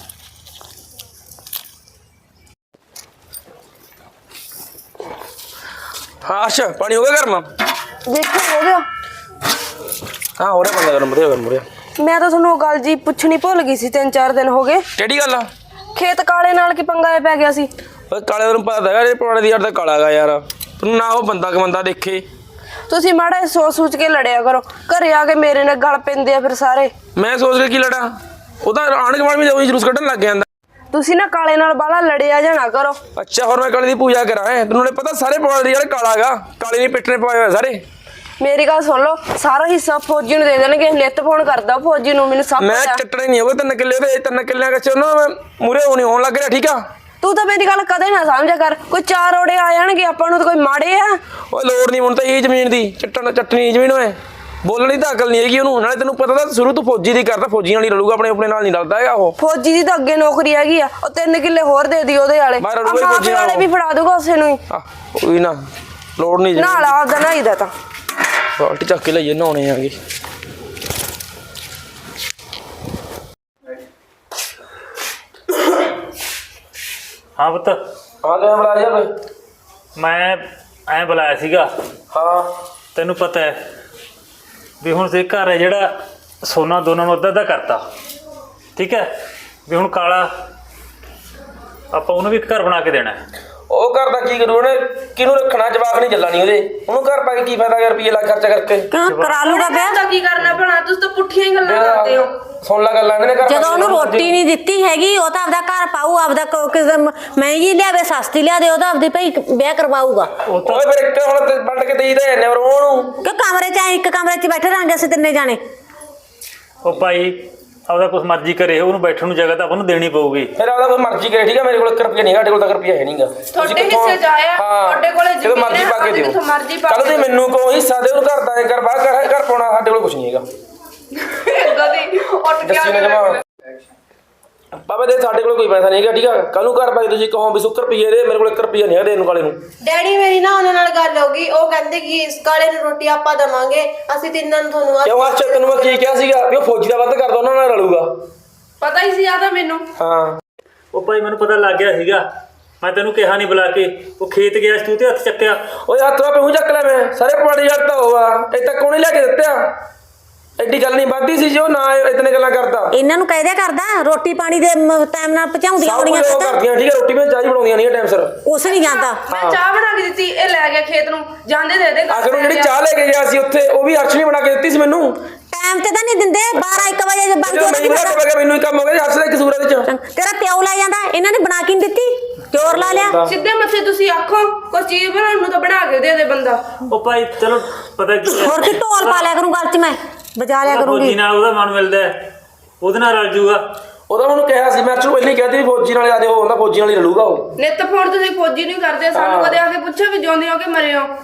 Speaker 5: हाँ अच्छा पानी हो गया गर्म
Speaker 1: ਦੇਖੋ ਹੋ ਗਿਆ
Speaker 5: हाँ हो रहा बंदा गर्म हो रहा
Speaker 1: ਮੈਂ ਤਾਂ ਤੁਹਾਨੂੰ ਗੱਲ ਜੀ ਪੁੱਛਣੀ ਭੁੱਲ ਗਈ ਸੀ 3-4 ਦਿਨ ਹੋ ਗਏ
Speaker 5: केड़ी गल आ
Speaker 1: ਖੇਤ ਕਾਲੇ ਨਾਲ ਕੀ ਪੰਗਾ ਪੈ ਗਿਆ ਸੀ
Speaker 5: काले तेन पता है ये पुराने दी यार काला गा यार तू ना वो बंदा देखे
Speaker 1: ਤੁਸੀਂ ਮਾੜਾ ਜਿਹਾ ਸੋਚ ਕੇ ਲੜਿਆ ਕਰੋ ਘਰੇ ਆ ਕੇ ਮੇਰੇ ਨਾਲ ਗਲ ਪੈਂਦੇ ਆ ਫਿਰ ਸਾਰੇ
Speaker 5: मैं सोच के की लड़ा ਉਹਦਾ ਆਣ ਕੇ ਬਾਅਦ ਵੀ ਜਦੋਂ ਜਲੂਸ ਕੱਢਣ ਲੱਗ ਜਾਂਦਾ
Speaker 1: ਤੁਸੀਂ ਨਾ ਕਾਲੇ ਨਾਲ ਬਾਲਾ ਲੜਿਆ ਜਾਣਾ ਕਰੋ
Speaker 5: ਅੱਛਾ ਹੋਰ ਮੈਂ ਕਾਲੇ ਦੀ ਪੂਜਾ ਕਰਾਂ ਤੈਨੂੰ ਨੇ ਪਤਾ ਸਾਰੇ ਪੁਰਾਣੇ ਯਾਰ ਕਾਲਾ ਗਾ ਕਾਲੇ ਨੇ ਪਿੱਟਣੇ ਪਾਏ ਹੋਏ ਸਾਰੇ
Speaker 1: ਮੇਰੀ ਗੱਲ ਸੁਣ ਲਓ ਸਾਰਾ ਹਿੱਸਾ ਫੌਜੀ ਨੂੰ ਦੇ ਦੇਣਗੇ ਲਿੱਤ ਫੋਨ ਕਰਦਾ ਫੌਜੀ ਨੂੰ ਮੈਨੂੰ ਸਭ
Speaker 5: ਮੈਂ
Speaker 1: ਪਤਾ
Speaker 5: ਚੱਟਣੇ ਨਹੀਂ ਹੋਵੇ 3 ਕਿੱਲੇ ਤੇ 3 ਕਿੱਲਿਆਂ ਕੱਚ ਉਹਨਾਂ ਮੈਂ ਮੂਰੇ ਹੋਣ ਲੱਗ ਰਿਹਾ ਠੀਕ ਆ
Speaker 1: ਤੂੰ ਤਾਂ ਮੇਰੀ ਗੱਲ ਕਦੇ ਨਾ ਸਮਝਿਆ ਕਰ ਕੋਈ 4 ਓੜੇ ਆ ਜਾਣਗੇ ਆਪਾਂ ਨੂੰ ਤਾਂ ਕੋਈ ਮਾੜੇ ਆ
Speaker 5: ਓਏ ਲੋੜ ਨਹੀਂ ਹੁਣ ਤਾਂ ਇਹ ਜ਼ਮੀਨ ਦੀ ਚੱਟਣੀ ਜ਼ਮੀਨ ਹੋਏ ਬੋਲਣ ਦੀ ਤਾਂ ਅਕਲ ਨਹੀਂ ਹੈਗੀ ਉਹਨੂੰ ਨਾਲੇ ਤੈਨੂੰ ਪਤਾ ਤਾਂ ਸ਼ੁਰੂ ਤੋਂ ਫੌਜੀ ਦੀ ਕਰਦਾ ਫੌਜੀ ਨਾਲ ਹੀ ਰਲੂਗਾ ਆਪਣੇ ਨਾਲ ਨਹੀਂ ਰਲਦਾ ਹੈਗਾ ਉਹ
Speaker 1: ਫੌਜੀ ਦੀ ਤਾਂ ਅੱਗੇ ਨੌਕਰੀ ਹੈਗੀ ਆ ਉਹ 3 ਕਿੱਲੇ ਹੋਰ ਦੇ ਦੀ ਉਹਦੇ ਵਾਲੇ
Speaker 5: ਮੈਂ ਰਲੂਗਾ ਹੀ ਫੌਜੀ ਨਾਲ
Speaker 1: ਵਾਲੇ ਵੀ ਫੜਾ ਦੂਗਾ ਉਸੇ ਨੂੰ ਹੀ
Speaker 5: ਕੋਈ ਨਾ ਲੋੜ ਨਹੀਂ
Speaker 1: ਨਾਲ ਆਪਦਾ ਨਹਾਈਦਾ ਤਾਂ
Speaker 5: ਬਾਲਟੀ ਚੱਕ ਕੇ ਲਈਏ ਨਹਾਉਣੇ ਆਗੇ
Speaker 3: ਹਾਂ ਪੁੱਤ
Speaker 5: ਹਾਂ ਲੈ ਬੁਲਾ ਜਾ
Speaker 3: ਮੈਂ ਐਂ ਬੁਲਾਇਆ ਸੀਗਾ
Speaker 5: ਹਾਂ
Speaker 3: ਤੈਨੂੰ ਪਤਾ ਹੈ ਵੀ ਹੁਣ ਤੇ ਘਰ ਹੈ ਜਿਹੜਾ ਸੋਨਾ ਦੋਨਾਂ ਨੂੰ ਅੱਧਾ ਕਰਤਾ ਠੀਕ ਹੈ ਵੀ ਹੁਣ ਕਾਲਾ ਆਪਾਂ ਉਹਨੂੰ ਵੀ ਇੱਕ ਘਰ ਬਣਾ ਕੇ ਦੇਣਾ
Speaker 5: ਉਹ ਘਰ ਦਾ ਕੀ ਕਰੂ ਉਹਨੇ ਕਿਹਨੂੰ ਰੱਖਣਾ ਜਵਾਕ ਨਹੀਂ ਚੱਲਣੀ ਉਹਦੇ ਉਹਨੂੰ ਘਰ ਪਾ ਕੇ ਕੀ ਫਾਇਦਾ ਰੁਪਏ ਲੱਖ ਖਰਚਾ ਕਰਕੇ
Speaker 2: ਕਿਉਂ ਕਰਾ ਲੂਗਾ ਵਿਆਹ
Speaker 1: ਤਾਂ ਕੀ ਕਰਨਾ ਭਲਾ ਤੁਸੀਂ ਤਾਂ ਪੁੱਠੀਆਂ ਹੀ ਗੱਲਾਂ ਕਰਦੇ ਹੋ
Speaker 5: ਸੁਣ ਲੈ ਗੱਲਾਂ ਇਹਨੇ ਘਰ
Speaker 2: ਜਦੋਂ ਉਹਨੂੰ ਰੋਟੀ ਨਹੀਂ ਦਿੱਤੀ ਹੈਗੀ ਉਹ ਤਾਂ ਆਪਦਾ ਘਰ ਪਾਊ ਆਪਦਾ ਕਿਸੇ ਮਹਿੰਗੀ ਲਿਆਵੇ ਸਸਤੀ ਲਿਆ ਦੇ ਉਹ ਤਾਂ ਆਪਦੀ ਭਈ ਵਿਆਹ ਕਰਵਾਊਗਾ
Speaker 5: ਓਏ ਫਿਰ ਇੱਕ ਹੁਣ ਤੇ ਵੰਡ ਕੇ ਦੇਈਦਾ ਐਨੇ ਹੋਰ ਉਹਨੂੰ
Speaker 2: ਕਿ ਕਮਰੇ 'ਚ ਇੱਕ ਕਮਰੇ 'ਚ ਬੈਠੇ ਰਹਾਂਗੇ ਅਸੀਂ ਤਿੰਨੇ ਜਾਣੇ
Speaker 3: ਉਹ ਭਾਈ ਆਪਦਾ ਕੁਛ ਮਰਜ਼ੀ ਕਰੇ ਉਹਨੂੰ ਬੈਠਣ ਨੂੰ ਜਗ੍ਹਾ ਤਾਂ ਆਪਾਂ ਨੂੰ ਦੇਣੀ ਪਊਗੀ
Speaker 5: ਫਿਰ ਆਪਦਾ ਕੋਈ ਮਰਜ਼ੀ ਕਰੇ ਠੀਕ ਆ ਮੇਰੇ ਕੋਲ 1 ਰੁਪਿਆ ਨਹੀਂ ਸਾਡੇ ਕੋਲ ਤਾਂ 1 ਰੁਪਿਆ ਹੈ ਨਹੀਂਗਾ
Speaker 1: ਤੁਹਾਡੇ ਹਿੱਸੇ 'ਚ ਆਇਆ ਤੁਹਾਡੇ ਕੋਲੇ
Speaker 5: ਜਦੋਂ ਮਰਜ਼ੀ ਪਾ ਕੇ ਦਿਓ ਕੱਲ ਤੇ ਮੈਨੂੰ ਕੋ ਹਿੱਸਾ ਦੇ ਉਹਨੂੰ ਘਰ ਦਾ ਐ ਕਰ ਬਾਹਰ ਘਰ ਪਾਉਣਾ ਸਾਡੇ ਕੋਲ ਕੁਝ ਨਹੀਂ ਹੈਗਾ
Speaker 1: ਗਦੀ ਉੱਠ ਕੇ
Speaker 5: ਜੱਸੀ ਨੇ ਜਮਾ ਬਾਬਾ ਦੇ ਸਾਡੇ ਕੋਲ ਕੋਈ ਪੈਸਾ ਨਹੀਂ ਹੈਗਾ ਠੀਕ ਆ ਕੱਲ ਨੂੰ ਘਰ ਪਾਈ ਤੁਸੀਂ ਕਹੋ ਵੀ 100 ਰੁਪਏ ਦੇ ਮੇਰੇ ਕੋਲ 1 ਰੁਪਿਆ ਨਹੀਂ ਹੈ ਦੇਣ ਨੂੰ ਕਾਲੇ ਨੂੰ
Speaker 1: ਡੈਡੀ ਮੇਰੀ ਨਾ ਉਹਨਾਂ ਨਾਲ ਗੱਲ ਹੋ ਗਈ ਉਹ ਕਹਿੰਦੇ ਕਿ ਇਸ ਕਾਲੇ ਨੂੰ ਰੋਟੀ ਆਪਾਂ ਦਵਾਂਗੇ ਅਸੀਂ ਤਿੰਨਾਂ ਨੂੰ ਤੁਹਾਨੂੰ
Speaker 5: ਕਿਉਂ ਅੱਛਾ ਤੈਨੂੰ ਮੈਂ ਕੀ ਕਿਹਾ ਸੀਗਾ ਵੀ ਉਹ ਫੌਜੀ ਦਾ ਵੱਧ ਕਰਦਾ ਉਹਨਾਂ ਨਾਲ ਰਲੂਗਾ
Speaker 6: ਪਤਾ ਹੀ ਸੀ ਆ ਤਾਂ ਮੈਨੂੰ।
Speaker 5: ਹਾਂ
Speaker 3: ਉਹ ਭਾਈ ਮੈਨੂੰ ਪਤਾ ਲੱਗ ਗਿਆ ਸੀਗਾ, ਮੈਂ ਤੈਨੂੰ ਕਿਹਾ ਨਹੀਂ ਬੁਲਾ ਕੇ, ਉਹ ਖੇਤ ਗਿਆ ਸੀ ਤੂੰ ਤੇ ਹੱਥ ਚੱਕਿਆ।
Speaker 5: ਓਏ ਹੱਥ ਵਾ ਪਹੂ ਚੱਕ ਲੈ ਮੈਂ ਸਾਰੇ ਪਵਾੜੇ ਯਾਰ ਤਾਂ ਹੋਆ ਇਹ ਤਾਂ ਕੋਣੇ ਲੈ ਕੇ ਦਿੱਤਿਆ ਐਡੀ ਗੱਲ ਨਹੀਂ ਵੱਧਦੀ ਸੀ ਜੋ ਨਾ ਇਤਨੇ ਗੱਲਾਂ ਕਰਦਾ।
Speaker 2: ਇਹਨਾਂ ਨੂੰ ਕਹਿ ਦਿਆ ਕਰਦਾ ਰੋਟੀ ਪਾਣੀ ਦੇ ਟਾਈਮ ਨਾਲ ਪਹੁੰਚਾਉਂਦੀਆਂ
Speaker 5: ਸਭ
Speaker 2: ਕੁੜੀਆਂ
Speaker 5: ਕੁਝ ਉਹ ਕਰਦੀਆਂ ਠੀਕ ਹੈ, ਰੋਟੀ ਮੈਂ ਚਾਹ ਹੀ ਬਣਾਉਂਦੀਆਂ ਨਹੀਂ ਟਾਈਮ ਸਿਰ।
Speaker 2: ਉਸ ਨਹੀਂ ਜਾਂਦਾ
Speaker 6: ਮੈਂ ਚਾਹ ਬਣਾ ਕੇ ਦਿੱਤੀ, ਇਹ ਲੈ ਗਿਆ ਖੇਤ ਨੂੰ, ਜਾਂਦੇ ਦੇ ਦੇ।
Speaker 5: ਆਖਰ ਨੂੰ ਜਿਹੜੀ ਚਾਹ ਲੈ ਕੇ ਗਿਆ ਸੀ ਉੱਥੇ ਉਹ ਵੀ ਅਰਸ਼ ਨੇ ਬਣਾ ਕੇ ਦਿੱਤੀ ਸੀ ਮੈਨੂੰ।
Speaker 2: ਟਾਈਮ ਤੇ ਤਾਂ ਨਹੀਂ ਦਿੰਦੇ 12-1 ਵਜੇ ਜੇ ਬੰਦ
Speaker 5: ਜਦੋਂ
Speaker 2: ਹੋ
Speaker 5: ਮੈਨੂੰ ਪਤਾ ਲੱਗਾ ਮੈਨੂੰ ਹੀ ਕੰਮ ਹੋ ਗਿਆ ਅਰਸ਼ ਦਾ ਕਸੂਰ ਇਹਦੇ ਚ।
Speaker 2: ਤੇਰਾ ਪਿਓ ਲੈ ਜਾਂਦਾ, ਇਹਨਾਂ ਨੇ ਬਣਾ ਕੇ ਨਹੀਂ ਦਿੱਤੀ, ਜ਼ੋਰ ਲਾ ਲਿਆ।
Speaker 6: ਸਿੱਧੇ ਮੱਥੇ ਤੁਸੀਂ ਆਖੋ ਕੋਈ ਚੀਜ਼ ਬਣਾਉਣ ਨੂੰ ਤਾਂ ਬਣਾ ਕੇ ਦੇ ਦੇ ਬੰਦਾ।
Speaker 3: ਉਹ ਭਾਈ ਚਲੋ ਪਤਾ ਕੀ ਹੈ,
Speaker 2: ਹੋਰ ਕੀ ਢੋਲ ਪਾ ਲਿਆ ਕਰੂੰ ਗੱਲ 'ਚ, ਮੈਂ ਬਜਾ ਲਿਆ
Speaker 3: ਫੌਜੀ
Speaker 2: ਕਰੂੰਗੀ।
Speaker 3: ਨਾਲ ਉਹਦਾ ਮਨ ਮਿਲਦਾ ਹੈ, ਉਹਦੇ ਨਾਲ ਰਲ ਜੂਗਾ।
Speaker 5: ਉਹਦਾ ਉਹਨੂੰ ਕਿਹਾ ਸੀ ਮੈਂ ਚਲੋ ਪਹਿਲਾਂ ਹੀ ਕਹਿਤੀ ਫੌਜੀ ਨਾਲ ਆਦੇ ਹੋ ਹੁੰਦਾ, ਫੌਜੀ ਨਾਲ ਹੀ ਰਲੂਗਾ ਉਹ।
Speaker 6: ਨਿੱਤ ਫੋਨ ਤੁਸੀਂ ਫੌਜੀ ਨਹੀਂ ਕਰਦੇ, ਸਾਨੂੰ ਕਦੇ ਆ ਕੇ ਪੁੱਛੋ ਵੀ ਜਿਉਂਦੇ ਹੋ ਕਿ ਮਰੇ ਹੋ।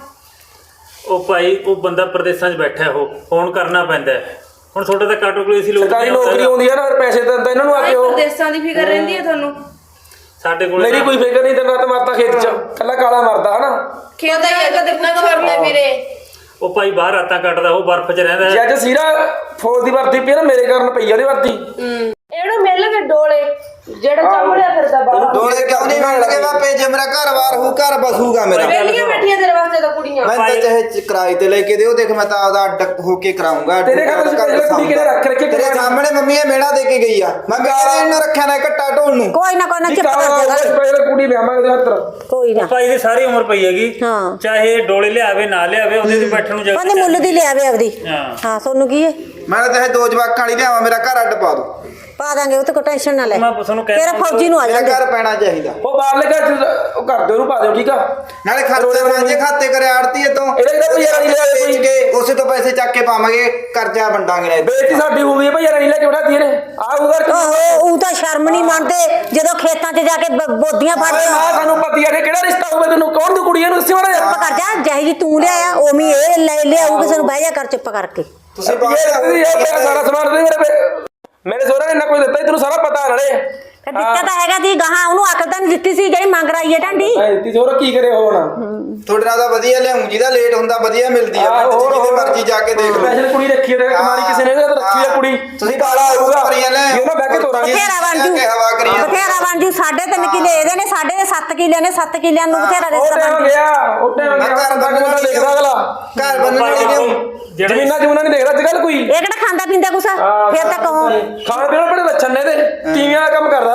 Speaker 3: ਉਹ ਭਾਈ ਉਹ ਬੰਦਾ ਪ੍ਰਦੇਸ਼ਾਂ 'ਚ ਬੈਠਾ, ਉਹ ਫੋਨ ਕਰਨਾ ਪੈਂਦਾ ਹੈ। ਹੁਣ ਤੁਹਾਡੇ ਤਾਂ ਕਾਟੋਕਲੀ ਸੀ ਲੋਕ
Speaker 5: ਸਰਕਾਰੀ ਨੌਕਰੀ ਆਉਂਦੀ ਆ ਨਾ, ਪੈਸੇ ਦਿੰਦਾ ਇਹਨਾਂ ਨੂੰ ਆ ਕੇ ਉਹ।
Speaker 6: ਪ੍ਰਦੇਸ਼ਾਂ ਦੀ ਫਿਕਰ ਰਹਿੰਦੀ ਹੈ ਤੁਹਾਨੂੰ।
Speaker 3: ਸਾਡੇ ਕੋਲ
Speaker 5: ਮੇਰੀ ਕੋਈ ਫਿਕਰ ਨਹੀਂ, ਦਿਨ ਰਾਤ ਮਰਦਾ ਖੇਤ 'ਚ, ਕੱਲਾ ਕਾਲਾ ਮਰਦਾ ਹਨਾ।
Speaker 6: ਖੇਤ ਦਾ ਕਦੇ ਪੁੱਛ ਕਰਦੇ ਵੀਰੇ।
Speaker 3: ਉਹ ਭਾਈ ਬਾਹਰ ਰਾਤਾਂ ਕੱਟਦਾ, ਉਹ ਬਰਫ਼ 'ਚ ਰਹਿੰਦਾ
Speaker 5: ਜੇ
Speaker 3: ਹੈ।
Speaker 5: ਅੱਜ ਸੀਰਾ ਫੌਜ ਦੀ ਵਰਦੀ ਪਈ ਨਾ ਮੇਰੇ ਕਾਰਨ ਪਈ ਆ ਉਹਦੀ ਵਰਦੀ।
Speaker 6: ਇਹਨੂੰ ਮਿਲ ਗਏ ਡੋਲੇ ਜਿਹੜਾ ਚੰਬੜਿਆ ਫਿਰਦਾ ਬਾਹਰ।
Speaker 4: ਡੋਲੇ ਕਿਉਂ ਨਹੀਂ ਮਿਲਣਗੇ ਬਾਪੇ, ਜੇ ਮੇਰਾ ਘਰ-ਬਾਰ ਹੋ ਘਰ ਬਸੂਗਾ ਮੇਰਾ।
Speaker 6: ਵੇਲੀਆਂ ਬੈਠੀਆਂ ਤੇਰੇ ਵਾਸਤੇ ਤਾਂ ਕੁੜੀਆਂ।
Speaker 4: ਮੈਂ ਤਾਂ ਚਾਹੇ ਕਿਰਾਏ ਤੇ ਲੈ ਕੇ ਦਿਓ, ਦੇਖ ਮੈਂ ਤਾਂ ਆਪਦਾ ਅੱਡ ਹੋ ਕੇ ਕਰਾਉਂਗਾ।
Speaker 5: ਤੇਰੇ ਘਰ ਤੁਸੀਂ ਪਹਿਲਾਂ ਕੁੜੀ ਕਿਹਨੇ ਰੱਖ ਰੱਖੀ?
Speaker 4: ਤੇਰੇ ਸਾਹਮਣੇ ਮੰਮੀ ਇਹ ਮੇੜਾ ਦੇ ਕੇ ਗਈ ਆ, ਮੈਂ ਮੇਰੇ ਨਾਲ ਰੱਖਿਆ ਨਾ ਘੱਟਾ ਢੋਲ ਨੂੰ।
Speaker 2: ਕੋਈ ਨਾ ਕੋਈ ਨਾ ਚੁੱਪ ਕਰ ਜਾ ਕਰ,
Speaker 5: ਪਹਿਲਾਂ ਕੁੜੀ ਵਿਆਹਾਂਗੇ ਉਹਦੇ ਹੱਥ।
Speaker 2: ਕੋਈ ਨਾ।
Speaker 3: ਭਾਈ ਦੀ ਸਾਰੀ ਉਮਰ ਪਈ ਹੈਗੀ,
Speaker 2: ਹਾਂ।
Speaker 3: ਚਾਹੇ ਡੋਲੇ ਲਿਆਵੇ ਨਾ ਲਿਆਵੇ, ਉਹਦੇ ਤੇ ਬੈਠਣ ਨੂੰ ਜਗ੍ਹਾ
Speaker 2: ਉਹਨੇ ਮੁੱਲ ਦੀ ਲਿਆਵੇ ਆਪਦੀ।
Speaker 3: ਹਾਂ।
Speaker 2: ਹਾਂ ਤੁਹਾਨੂੰ ਕੀ ਹੈ,
Speaker 4: ਮੈਂ ਤਾਂ ਚਾਹੇ 2 ਜਵਾਕਾਂ ਵਾਲੀ ਲਿਆਵਾਂ, ਮੇਰਾ ਘਰ ਅੱਡ ਪਾ ਦੋ।
Speaker 2: ਪਾ ਦਾਂਗੇ, ਉਹ ਤੇ ਕੋਈ ਟੈਨਸ਼ਨ ਨਾ ਲੈ।
Speaker 3: ਮੈਂ ਤੁਹਾਨੂੰ ਕਹਿ
Speaker 2: ਤੇਰਾ ਫੌਜੀ ਨੂੰ ਆ
Speaker 4: ਮੇਰਾ
Speaker 2: ਜਾਂਦੇ।
Speaker 4: ਘਰ ਪੈਣਾ ਚਾਹੀਦਾ,
Speaker 5: ਉਹ ਬਾਹਰਲੇ ਘਰ ਚ ਉਹ ਕਰ ਦਿਓ ਉਹਨੂੰ ਪਾ ਦਿਓ ਠੀਕ ਆ।
Speaker 4: ਨਾਲੇ ਖਾਤੇ ਮਾਂਜੇ ਖਾਤੇ ਕਰੇ ਆੜਤੀ ਤੋਂ
Speaker 5: ਇਹਦਾ ਕਿਹੜਾ ਭਈਆ ਨਹੀਂ ਲਿਆ ਕੋਈ?
Speaker 4: ਵੇਚ ਕੇ ਉਸੇ ਤੋਂ ਪੈਸੇ ਚੱਕ ਕੇ ਪਾਵਾਂਗੇ, ਕਰਜ਼ਾ ਵੰਡਾਂਗੇ ਨਾ।
Speaker 5: ਬੇਇੱਜ਼ਤੀ ਸਾਡੀ ਹੋ ਗਈ ਹੈ ਭਈਆ ਨਹੀਂ ਲੈ ਕੇ ਬਿਠਾਤੀ ਇਹਨੇ ਆ ਉਧਰ।
Speaker 2: ਉਹ ਤਾਂ ਸ਼ਰਮ ਨਹੀਂ ਮੰਨਦੇ ਜਦੋਂ ਖੇਤਾਂ 'ਚ ਜਾ ਕੇ ਬੋਦੀਆਂ ਫੜਦੇ ਆ।
Speaker 5: ਆ ਸਾਨੂੰ ਪਤੀ ਆ ਕਿਹੜਾ ਰਿਸ਼ਤਾ ਹੋਵੇ ਤੈਨੂੰ, ਕੌਣ ਤੂੰ ਕੁੜੀ ਇਹਨੂੰ ਦੱਸੀ ਮਾੜਾ ਜਿਹਾ।
Speaker 2: ਚੁੱਪ ਕਰ ਜਾ, ਜਿਹੀ ਜੀ ਤੂੰ ਲਿਆਇਆ ਉਵੇਂ ਇਹ ਲੈ ਲਿਆਊ, ਕਿਸੇ ਨੂੰ ਬਹਿ ਜਾ ਕਰ ਚੁੱਪ ਕਰਕੇ।
Speaker 4: ਤੁਸੀਂ
Speaker 5: ਇਹ ਸਾਰਾ ਸਮਾਨ ਦੇ ਮੇਰੇ ਸੋਹਰਾ ਨੇ ਇੰਨਾ ਕੁਝ ਦਿੱਤਾ ਤੈਨੂੰ ਸਾਰਾ ਪਤਾ ਨਾਲੇ।
Speaker 2: ਫਿਰ ਦਿੱਤਾ ਤਾਂ ਹੈਗਾ ਦੀ ਗਾਹਾਂ ਉਹਨੂੰ ਅਕਲ ਤਾਂ ਨਹੀਂ ਦਿੱਤੀ ਸੀ ਜਿਹੜੀ ਮੰਗ ਰਹੀ ਹੈ ਢਾਂਡੀ।
Speaker 5: ਤੀ ਸੋਹਰਾ ਕੀ ਕਰੇ ਹੁਣ।
Speaker 4: ਤੁਹਾਡੇ ਨਾਲ ਤਾਂ ਵਧੀਆ ਲਿਆਉਂ, ਜਿਹਦਾ ਲੇਟ ਹੁੰਦਾ ਵਧੀਆ ਮਿਲਦੀ ਆ। ਜਿਹਦੇ ਮਰਜ਼ੀ ਜਾ ਕੇ ਦੇਖ ਲਓ।
Speaker 5: ਸਪੈਸ਼ਲ ਕੁੜੀ ਰੱਖੀ ਹੈ ਕੁਮਾਰੀ ਕਿਸੇ ਨੇ ਰੱਖੀ ਹੈ ਕੁੜੀ।
Speaker 4: ਤੁਸੀਂ ਕਾਲਾ ਆਊਗਾ ਭਰੀਆਂ ਲੈ
Speaker 5: ਉਹਨਾਂ ਬਹਿ ਕੇ ਤੋਰਾਂਗੇ।
Speaker 2: ਬਥੇਰਾ ਬਣ ਜੂ,
Speaker 4: ਹਵਾ ਕਰੀ
Speaker 2: ਬਥੇਰਾ ਬਣ ਜੂ। 3.5 ਕਿੱਲੇ ਇਹਦੇ ਨੇ, ਸਾਡੇ ਦੇ 7 ਕਿੱਲੇ ਨੇ, 7 ਕਿੱਲਿਆਂ ਨੂੰ ਬਥੇਰਾ
Speaker 5: ਉਹ
Speaker 2: ਰਿਸ਼ਤਾ
Speaker 5: ਟਾਈਮ
Speaker 2: ਬਣ
Speaker 5: ਗਿਆ, ਉਹ ਟਾਈਮ
Speaker 4: ਮੈਂ
Speaker 5: ਗਿਆ।
Speaker 4: ਘਰ ਬੰਨਣ ਵਾਲੀ
Speaker 5: ਦੇਖਦਾ ਅਗਲਾ
Speaker 4: ਘਰ ਬੰਨਣ ਵਾਲੀ ਲਿਆਉਂ।
Speaker 5: ਜ਼ਮੀਨਾਂ ਜਮੂਨਾਂ ਨਹੀਂ ਦੇਖਦਾ ਅੱਜ ਕੱਲ ਕੋਈ।
Speaker 2: ਇਹ ਕਿਹੜਾ ਖਾਂਦਾ ਪੀਂਦਾ ਕੁਛ, ਫਿਰ ਤਾਂ ਕਹੋ।
Speaker 5: ਖਾਣ ਪੀਣ ਬੜੇ ਲੱਛਣ ਨੇ ਤੇ ਟੀਵੀਆਂ ਵਾਲਾ ਕੰਮ ਕਰਦਾ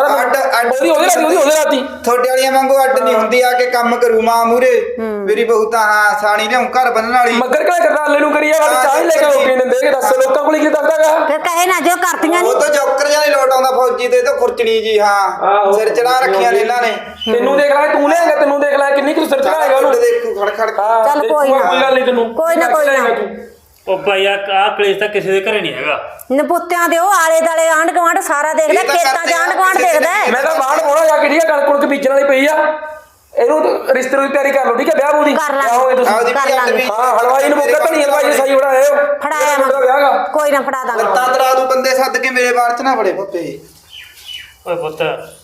Speaker 5: ਉਹਦੇ ਰਾਤੀ।
Speaker 4: ਤੁਹਾਡੇ ਵਾਲੀਆਂ ਵਾਂਗੂ ਅੱਡ ਨਹੀਂ ਹੁੰਦੀ, ਆ ਕੇ ਕੰਮ ਕਰੂ ਮਾਂ ਮੂਰੇ। ਮੇਰੀ ਬਹੂ ਤਾਂ ਹਾਂ ਸਾਣੀ ਲਿਆਉਂ ਘਰ ਬੰਨਣ ਵਾਲੀ।
Speaker 5: ਮੱਗਰ ਕਿਹੜਾ ਕਰਦਾ ਆਲੇ ਨੂੰ ਕਰੀਏ ਵਾਲੀ ਚਾਹ ਹੀ ਲੈ ਕੇ ਰੋਟੀ ਦਿੰਦੇ ਕਿ ਦੱਸ ਲੋਕਾਂ ਕੋਲ ਕੀ ਦੱਸਦਾਗਾ।
Speaker 2: ਫਿਰ ਕਹੇ ਨਾ ਜੋ ਕਰਤੀਆਂ
Speaker 4: ਉਹ
Speaker 2: ਨਹੀਂ।
Speaker 4: ਤਾਂ ਜੋਕਰ ਜਿਹਾ ਨਹੀਂ ਲੋਟ ਆਉਂਦਾ ਫੌਜੀ ਤੇ, ਤਾਂ ਖੁਰਚਣੀ ਜੀ। ਹਾਂ ਸਿਰ ਚੜਾ ਰੱਖੀਆਂ ਨੇ ਇਹਨਾਂ ਨੇ।
Speaker 5: ਤੈਨੂੰ ਦੇਖ ਲੈ ਤੂੰ ਲਿਆਂਗਾ, ਤੈਨੂੰ ਦੇਖ ਲੈ ਕਿੰਨੀ ਕੁ ਸਿਰ ਚੜਾਏਗਾ ਉਹਨੂੰ।
Speaker 4: ਦੇਖੂ ਖੜ ਖੜ
Speaker 5: ਹਾਂ,
Speaker 2: ਚੱਲ ਕੋਈ ਨਾ।
Speaker 5: ਕੋਈ ਗੱਲ ਨਹੀਂ ਤੈਨੂੰ
Speaker 2: ਕੋਈ ਨਾ, ਕੋਈ ਨਾ।
Speaker 3: ਉਹ ਭਾਈ ਆ ਕਲੇਸ਼ ਤਾਂ ਕਿਸੇ ਦੇ ਘਰੇ ਨਹੀਂ ਹੈਗਾ।
Speaker 2: ਨਪੁੱਤਿਆਂ ਦੇ ਉਹ ਆਲੇ ਦਾਲੇ ਆਂਢ ਗੁਆਂਢ ਸਾਰਾ ਦੇਖਦਾ,
Speaker 4: ਇਹ ਤਾਂ
Speaker 2: ਖੇਤਾਂ 'ਚ
Speaker 4: ਕਰਦੇ
Speaker 2: ਆਂਢ ਗੁਆਂਢ ਦੇਖਦਾ।
Speaker 5: ਮੈਂ ਤਾਂ ਬਾਹਰ ਹੋਣਾ ਜਾ ਕੇ ਠੀਕ ਹੈ, ਕਣਕ ਕੁਣਕ ਬੀਜਣ ਵਾਲੀ ਪਈ ਆ। ਇਹਨੂੰ ਰਿਸ਼ਤੇ ਦੀ ਤਿਆਰੀ ਕਰ ਲਓ ਠੀਕ ਹੈ, ਵਿਆਹ ਬੂਦੀ
Speaker 2: ਕਰ ਲਾਂਗੇ।
Speaker 5: ਆਓਗੇ ਤੁਸੀਂ।
Speaker 4: ਆਪਦੀ
Speaker 2: ਕਰ
Speaker 4: ਵੀ ਅੱਡ
Speaker 2: ਲਾਂਗੇ।
Speaker 4: ਵੀ।
Speaker 5: ਹਾਂ ਹਲਵਾਈ ਨੂੰ ਮੁੱਕਾ ਧਣੀ ਹਲਵਾਈ ਨੇ ਸਹੀ ਬਣਾਏ ਹੋ।
Speaker 2: ਫੜਾਇਆ
Speaker 5: ਮੇਰਾ ਵਿਆਹਗਾ
Speaker 2: ਕੋਈ ਨਾ, ਫੜਾ ਦਾਂਗੇ।
Speaker 4: ਲੱਤਾਂ ਤਰਾ ਦੂ ਬੰਦੇ ਸੱਦ ਕੇ ਮੇਰੇ ਬਾਰ ਚ ਨਾ ਫੜੇ ਪੱਪੇ।
Speaker 3: ਓਏ ਪੁੱਤ,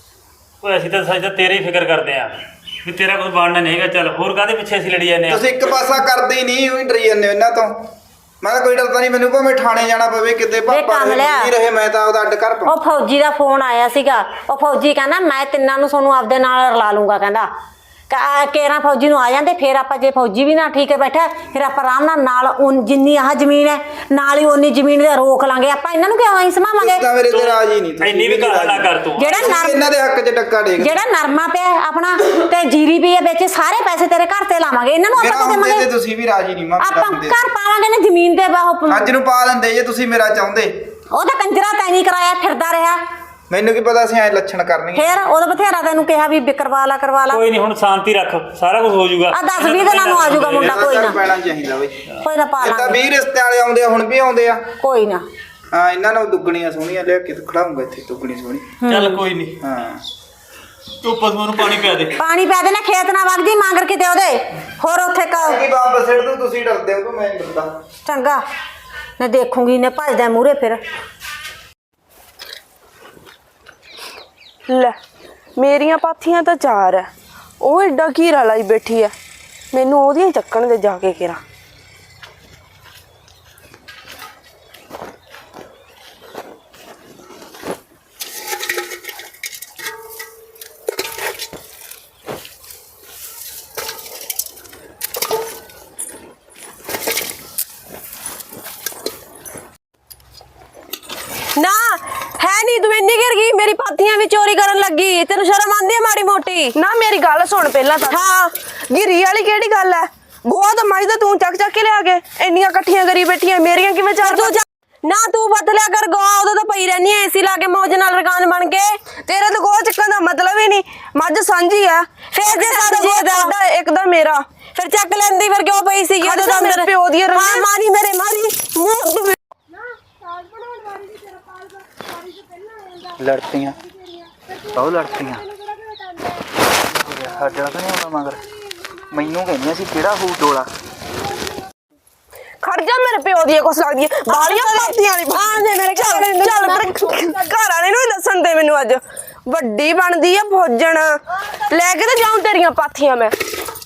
Speaker 3: ਓਏ ਅਸੀਂ ਤਾਂ ਸੱਚ ਤਾਂ ਤੇਰੀ ਫਿਕਰ ਕਰਦੇ ਆਂ ਵੀ ਤੇਰਾ ਕੋਈ ਬਣਨਾ ਨਹੀਂ ਹੈਗਾ। ਚੱਲ ਹੋਰ ਕਾਹਦੇ ਪਿੱਛੇ ਅਸੀਂ ਲੜੀ ਜਾਂਦੇ ਆ।
Speaker 4: ਤੁਸੀਂ ਇੱਕ ਪਾਸਾ ਕਰਦੇ ਹੀ ਨਹੀਂ, ਉਹੀ ਡਰੀ ਜਾਂਦੇ ਹੋ ਇਹਨਾਂ ਤੋਂ। ਮੈਂ ਤਾਂ ਕੋਈ ਡਰਦਾ ਨਹੀਂ, ਮੈਨੂੰ ਭਾਵੇਂ ਥਾਣੇ ਜਾਣਾ ਪਵੇ ਕਿਤੇ ਪਾਪਾ ਨਹੀਂ ਰਹੇ, ਮੈਂ ਤਾਂ ਉਹਦਾ ਅੱਡ ਕਰ ਪਾਉਂ।
Speaker 2: ਉਹ ਫੌਜੀ ਦਾ ਫੋਨ ਆਇਆ ਸੀਗਾ, ਉਹ ਫੌਜੀ ਕਹਿੰਦਾ ਮੈਂ ਤਿੰਨਾਂ ਨੂੰ ਤੁਹਾਨੂੰ ਆਪਦੇ ਨਾਲ ਰਲਾ ਲੂੰਗਾ। ਕਹਿੰਦਾ ਕੇਰਾਂ ਫੌਜੀ ਨੂੰ ਆ ਜਾਂਦੇ, ਫਿਰ ਆਪਾਂ ਜੇ ਫੌਜੀ ਵੀ ਨਾ ਠੀਕ ਹੈ ਬੈਠਾ, ਫਿਰ ਆਪਾਂ ਆਰਾਮ ਨਾਲ ਜਿੰਨੀ ਆਹ ਜ਼ਮੀਨ ਹੈ ਨਾਲ ਹੀ ਉਨੀ ਜ਼ਮੀਨ ਦਾ ਰੋਕ ਲਾਂਗੇ। ਆਪਾਂ ਇਹਨਾਂ ਨੂੰ ਕਿਉਂ ਐਂ ਸਮਾਵਾਂਗੇ।
Speaker 4: ਤਾਂ ਮੇਰੇ ਤੇ ਰਾਜ ਹੀ ਨਹੀਂ ਤੁਸੀਂ।
Speaker 3: ਇੰਨੀ ਵੀ ਗੱਲ ਨਾ ਕਰ ਤੂੰ।
Speaker 2: ਜਿਹੜਾ
Speaker 4: ਇਹਨਾਂ ਦੇ ਹੱਕ 'ਚ ਟੱਕਾ ਡੇਗ।
Speaker 2: ਜਿਹੜਾ ਨਰਮਾ ਪਿਆ ਆਪਣਾ ਤੇ ਜੀਰੀ ਵੀ ਹੈ ਵਿੱਚ, ਸਾਰੇ ਪੈਸੇ ਤੇਰੇ ਘਰ ਤੇ ਲਾਵਾਂਗੇ। ਇਹਨਾਂ ਨੂੰ ਆਪਾਂ ਕਿਉਂ
Speaker 4: ਤੇ
Speaker 2: ਦੇਵਾਂਗੇ।
Speaker 4: ਤੁਸੀਂ ਵੀ ਰਾਜੀ ਨਹੀਂ ਮਾਂ
Speaker 2: ਆਪਾਂ ਘਰ ਪਾਵਾਂਗੇ ਨਾ ਜ਼ਮੀਨ ਤੇ।
Speaker 4: ਅੱਜ ਨੂੰ ਪਾ ਦਿੰਦੇ ਜੇ ਤੁਸੀਂ ਮੇਰਾ ਚਾਹੁੰਦੇ।
Speaker 2: ਉਹ ਤਾਂ ਕੰਜਰਾ ਤੈਂ ਨਹੀਂ ਕਰਾਇਆ, ਫਿਰਦਾ ਰਿਹਾ।
Speaker 4: ਮੈਨੂੰ ਕੀ ਪਤਾ ਸੀ ਐ ਲੱਛਣ ਕਰਨਗੇ।
Speaker 2: ਫਿਰ ਉਹਦਾ ਬਥੇਰਾ ਤੈਨੂੰ ਕਿਹਾ ਵੀ ਕਰਵਾ ਲਾ
Speaker 3: ਕੋਈ ਨਹੀਂ, ਹੁਣ ਸ਼ਾਂਤੀ ਰੱਖ, ਸਾਰਾ ਕੁਝ ਹੋ ਜਾਊਗਾ।
Speaker 2: ਆ 10-20 ਦਿਨਾਂ ਨੂੰ ਆ ਜਾਊਗਾ ਮੁੰਡਾ। ਕੋਈ ਨਾ,
Speaker 4: ਪੈਣਾ ਚਾਹੀਦਾ ਬਈ।
Speaker 2: ਕੋਈ ਨਾ ਪਾ
Speaker 4: ਇਹ ਤਾਂ
Speaker 2: ਲਾਂਗੇ।
Speaker 4: 20 ਰਿਸ਼ਤੇ ਵਾਲੇ ਆਉਂਦੇ ਆ, ਹੁਣ ਵੀ ਆਉਂਦੇ ਆ।
Speaker 2: ਕੋਈ ਨਾ,
Speaker 4: ਹਾਂ ਇਹਨਾਂ ਨੂੰ ਦੁੱਗਣੀਆਂ ਸੋਹਣੀਆਂ ਲਿਆ ਕੇ ਖੜਾਉਂਗਾ ਇੱਥੇ, ਦੁੱਗਣੀ ਸੋਹਣੀ।
Speaker 3: ਚੱਲ ਕੋਈ ਨਹੀਂ,
Speaker 4: ਹਾਂ
Speaker 3: ਤੂੰ ਪਸ਼ੂਆਂ ਨੂੰ ਪਾਣੀ ਪਿਆ ਦੇ।
Speaker 2: ਪਾਣੀ ਪੈ ਦੇ ਨਾ, ਖੇਤ ਨਾ ਵਗ ਜੀ ਮੰਗਰ ਕਿਤੇ ਉਹਦੇ। ਹੋਰ ਉੱਥੇ
Speaker 4: ਕੀ ਬੰਬ ਸਿੱਟ ਦੂ, ਤੁਸੀਂ ਡਰਦੇ ਹੋ ਕਿ ਮੈਂ ਨਹੀਂ ਡਰਦਾ।
Speaker 2: ਚੰਗਾ ਮੈਂ ਦੇਖੂੰਗੀ ਨੇ ਭੱਜਦਾ ਮੂਹਰੇ। ਫਿਰ
Speaker 6: ਲੈ ਮੇਰੀਆਂ ਪਾਥੀਆਂ ਤਾਂ 4 ਐ, ਉਹ ਏਡਾ ਘੀਰਾ ਲਾਈ ਬੈਠੀ ਐ। ਮੈਨੂੰ ਉਹਦੀਆਂ ਚੱਕਣ ਦੇ ਜਾ ਕੇ ਕਿਰਾ।
Speaker 1: ਮੇਰੀ ਪਾਥੀਆਂ ਵੀ ਚੋਰੀ ਕਰਨ ਲੱਗੀ। ਤੈਨੂੰ ਸ਼ਰਮ ਆਉਂਦੀ ਹੈ ਮਾੜੀ ਮੋਟੀ?
Speaker 6: ਨਾ ਮੇਰੀ ਗੱਲ ਸੁਣ ਪਹਿਲਾਂ ਤਾਂ।
Speaker 1: ਹਾਂ।
Speaker 6: ਗਿਰੀ ਵਾਲੀ ਕਿਹੜੀ ਗੱਲ ਹੈ? ਬਹੁਤ ਮੱਝ ਤਾਂ ਤੂੰ ਚੱਕ ਚੱਕ ਕੇ ਲਿਆ ਕੇ ਇੰਨੀਆਂ ਇਕੱਠੀਆਂ ਕਰੀ ਬੈਠੀਆਂ, ਮੇਰੀਆਂ ਕਿਵੇਂ ਚਾਰ
Speaker 1: ਤੂੰ ਨਾ ਤੂੰ ਬਤ ਲਿਆ ਕਰ ਗੋ, ਉਦੋਂ ਤਾਂ ਪਈ ਰਹਿਨੀ ਐ ਏਸੀ ਲਾ ਕੇ ਮੌਜ ਨਾਲ ਰਕਾਨ ਬਣ ਕੇ।
Speaker 6: ਤੇਰਾ ਤਾਂ ਗੋਹਾ ਚੱਕਣ ਦਾ ਮਤਲਬ ਹੀ ਨਹੀਂ, ਮੱਝ ਸਾਂਝੀ ਆ।
Speaker 1: ਫੇਰ ਜੇ ਸਾਡਾ
Speaker 6: ਗੋਹਾ ਤੁਹਾਡਾ ਇੱਕ ਦਾ ਮੇਰਾ,
Speaker 1: ਫਿਰ ਚੱਕ ਲੈਂਦੀ, ਫਿਰ ਕਿਉਂ ਪਈ ਸੀਗੀ
Speaker 6: ਖੜ
Speaker 1: ਉਦੋਂ
Speaker 6: ਜਾ, ਮੇਰੇ
Speaker 1: ਅੰਦਰ?
Speaker 6: ਪਿਓ ਦੀਆਂ
Speaker 1: ਹਾਂ
Speaker 6: ਰੰਨਾਂ।
Speaker 1: ਮਾਰੀ ਮੇਰੇ ਮਾਰੀ ਮੂੰਹ
Speaker 4: ਲੜਤੀਆਂ ਉਹ ਲੜਤੀਆਂ ਸਾਡੇ ਨਾਲ ਤਾਂ ਨਹੀਂ ਆਉਣਾ ਮਗਰ। ਮੈਨੂੰ ਕਹਿੰਦੀਆਂ ਸੀ ਕਿਹੜਾ ਹੋਊ ਡੋਲਾ।
Speaker 6: ਖੜ ਜਾ, ਮੇਰੇ ਪਿਓ ਦੀਆਂ ਕੁਛ ਲੱਗਦੀਆਂ ਬਾਲੀਆਂ ਪਾਥੀਆਂ ਵਾਲੀ।
Speaker 1: ਆ ਦੇ ਮੇਰੇ
Speaker 6: ਚੱਲ ਘਰ ਵਾਲੇ ਨੂੰ ਹੀ ਦੱਸਣ ਦੇ ਮੈਨੂੰ। ਅੱਜ ਵੱਡੀ ਬਣਦੀ ਆ ਫੌਜਣ, ਲੈ ਕੇ ਤਾਂ ਜਾਉਂ ਤੇਰੀਆਂ ਪਾਥੀਆਂ ਮੈਂ।